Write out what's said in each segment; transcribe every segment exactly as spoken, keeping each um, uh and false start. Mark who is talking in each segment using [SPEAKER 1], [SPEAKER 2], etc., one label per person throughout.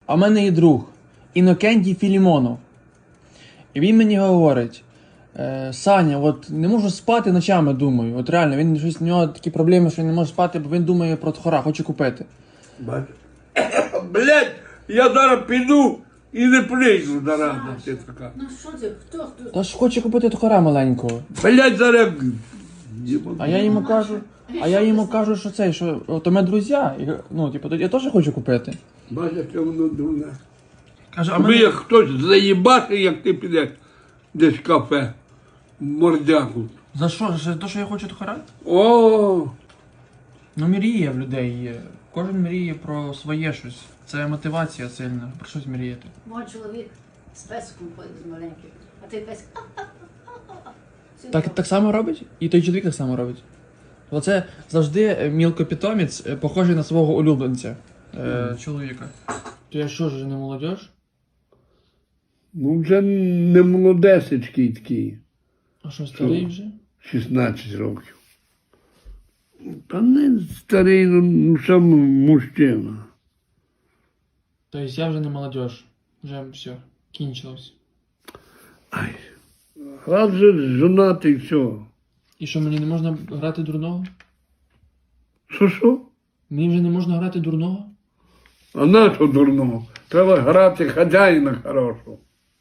[SPEAKER 1] А в мене є друг Інокентій Філімонов. І він мені говорить: е, Саня, от не можу спати ночами, думаю. От реально, він щось, у нього такі проблеми, що він не може спати, бо він думає про тхора, хоче купити.
[SPEAKER 2] Блять, я зараз піду і не прийду зараза ти така.
[SPEAKER 3] Ну що ти, хто хто?
[SPEAKER 1] Та ж хоче купити тхора маленького.
[SPEAKER 2] Блять, зараз...
[SPEAKER 1] А я йому кажу, а я йому кажу, що цей, що то ми друзі, і, ну, типу, я теж хочу купити.
[SPEAKER 2] Бачите, воно дурне.
[SPEAKER 1] Каже, а
[SPEAKER 2] Аби
[SPEAKER 1] мене...
[SPEAKER 2] як хтось заїбати, як ти підеш десь в кафе, в мордяку.
[SPEAKER 1] За що? За те, що я хочу тхора?
[SPEAKER 2] О,
[SPEAKER 1] Ну, мріє в людей є. Кожен мріє про своє щось. Це мотивація сильна, про щось мріяти.
[SPEAKER 3] Мой чоловік з песком ходить маленьким, а той песик.
[SPEAKER 1] Так, так само робить? І той чоловік так само робить. Оце завжди мілкопітомець, е, похожий на свого улюбленця. Е, чоловіка. То я що ж, не молодіж?
[SPEAKER 2] ну вже не молодесечкий такий,
[SPEAKER 1] А що, старий вже?
[SPEAKER 2] шістнадцять років. Та не старий, ну, ну сам мужчина.
[SPEAKER 1] Тобто я вже не молодіж. Вже все, кінчилось.
[SPEAKER 2] Ай, раз же жонатий, все.
[SPEAKER 1] І що, мені не можна грати дурного?
[SPEAKER 2] Що що?
[SPEAKER 1] Мені вже не можна грати дурного?
[SPEAKER 2] А на що дурного? Треба грати хазяїна хорошого.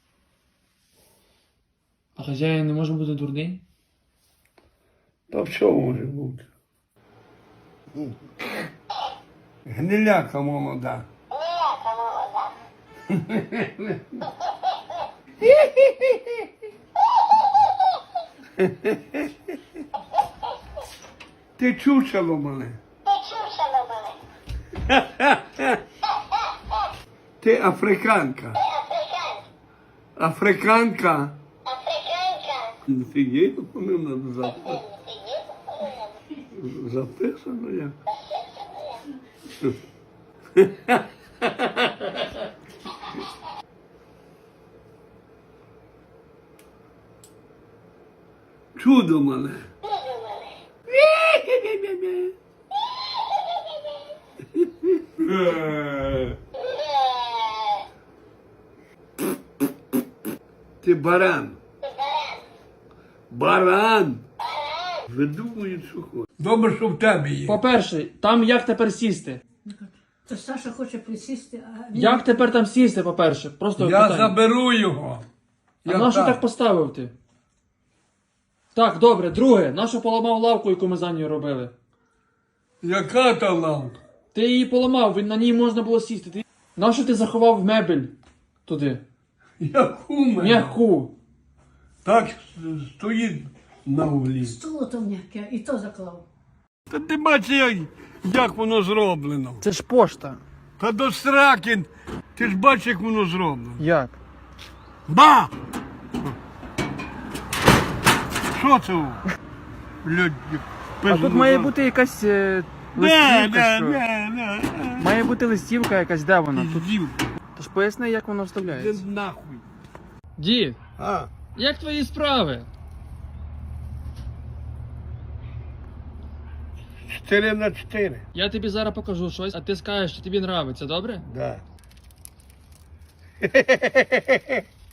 [SPEAKER 1] А хазяїн не може бути дурний?
[SPEAKER 2] Та все може бути. Гниляка молода. Ти чучело мене. Ти африканка. Африканка. Офігеть, вони надо записати. Записано я. Чудо мене. Ти баран. Баран. Видумують, що хочуть. Добре, що в тебе є.
[SPEAKER 1] По-перше, там як тепер сісти?
[SPEAKER 3] То Саша хоче присісти, а він...
[SPEAKER 1] Як тепер там сісти, по-перше? Просто
[SPEAKER 2] Я
[SPEAKER 1] питання.
[SPEAKER 2] заберу його.
[SPEAKER 1] А
[SPEAKER 2] Я
[SPEAKER 1] на що
[SPEAKER 2] так.
[SPEAKER 1] так поставив ти? Так, добре, друге, на що поламав лавку, яку ми за нею робили?
[SPEAKER 2] Яка та лампа?
[SPEAKER 1] Ти її поламав, на ній можна було сісти. Ти... На що ти заховав мебель туди?
[SPEAKER 2] Яку мене?
[SPEAKER 1] М'яку.
[SPEAKER 2] Так стоїть на углі.
[SPEAKER 3] Стуло то м'яке, і то заклав.
[SPEAKER 2] Та ти бачиш, як, як воно зроблено.
[SPEAKER 1] Це ж пошта.
[SPEAKER 2] Та до сраки, ти ж бачиш, як воно зроблено.
[SPEAKER 1] Як?
[SPEAKER 2] Ба! Що це? Блядь,
[SPEAKER 1] А тут має бути якась е, листівка,
[SPEAKER 2] Не,
[SPEAKER 1] що?
[SPEAKER 2] не, не, не.
[SPEAKER 1] Має бути листівка якась, де вона? Тут...
[SPEAKER 2] Піздів.
[SPEAKER 1] Тож поясни, як воно
[SPEAKER 2] Іди
[SPEAKER 1] вставляється.
[SPEAKER 2] нахуй.
[SPEAKER 1] Дід,
[SPEAKER 2] А,
[SPEAKER 1] як твої справи?
[SPEAKER 2] чотири на чотири.
[SPEAKER 1] Я тобі зараз покажу щось, а ти скажеш, що тобі подобається, добре?
[SPEAKER 2] Да.